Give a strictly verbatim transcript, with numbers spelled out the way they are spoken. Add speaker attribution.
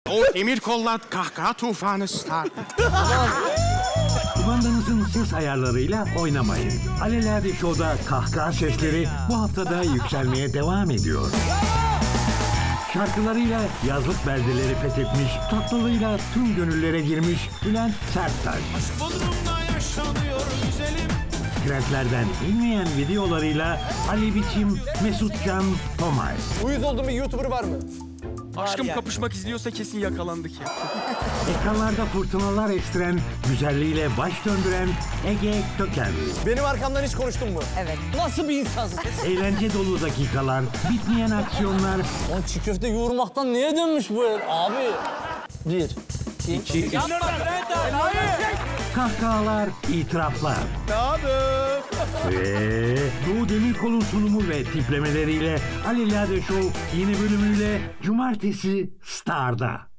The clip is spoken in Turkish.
Speaker 1: O demir kollar kahkaha tufanı Star.
Speaker 2: Kumandanızın ses ayarlarıyla oynamayın. Alelade Show'da kahkaha sesleri bu haftada yükselmeye devam ediyor. Şarkılarıyla yazlık beldeleri fethetmiş, tatlılığıyla tüm gönüllere girmiş Bülent Serttaş.
Speaker 3: Bodrum'da yaşanıyor güzelim.
Speaker 2: Trendlerden inmeyen videolarıyla Ali Biçim, Mesut Can, Tomay.
Speaker 4: Uyuz olduğum bir YouTuber var mı?
Speaker 3: Aşkım kapışmak izliyorsa kesin yakalandık ya.
Speaker 2: Ekranlarda fırtınalar estiren, güzelliğiyle baş döndüren Ege Köken.
Speaker 4: Benim arkamdan hiç konuştun mu?
Speaker 5: Evet.
Speaker 4: Nasıl bir insansın?
Speaker 2: Eğlence dolu dakikalar, bitmeyen aksiyonlar,
Speaker 4: Lan çiğ köfte yoğurmaktan neye dönmüş bu el? Abi. Bir. İki.
Speaker 2: kahkahalar, itiraflar. Ve Doğu Demirkol'un sunumu ve tiplemeleriyle Alelade Show yeni bölümüyle Cumartesi Star'da.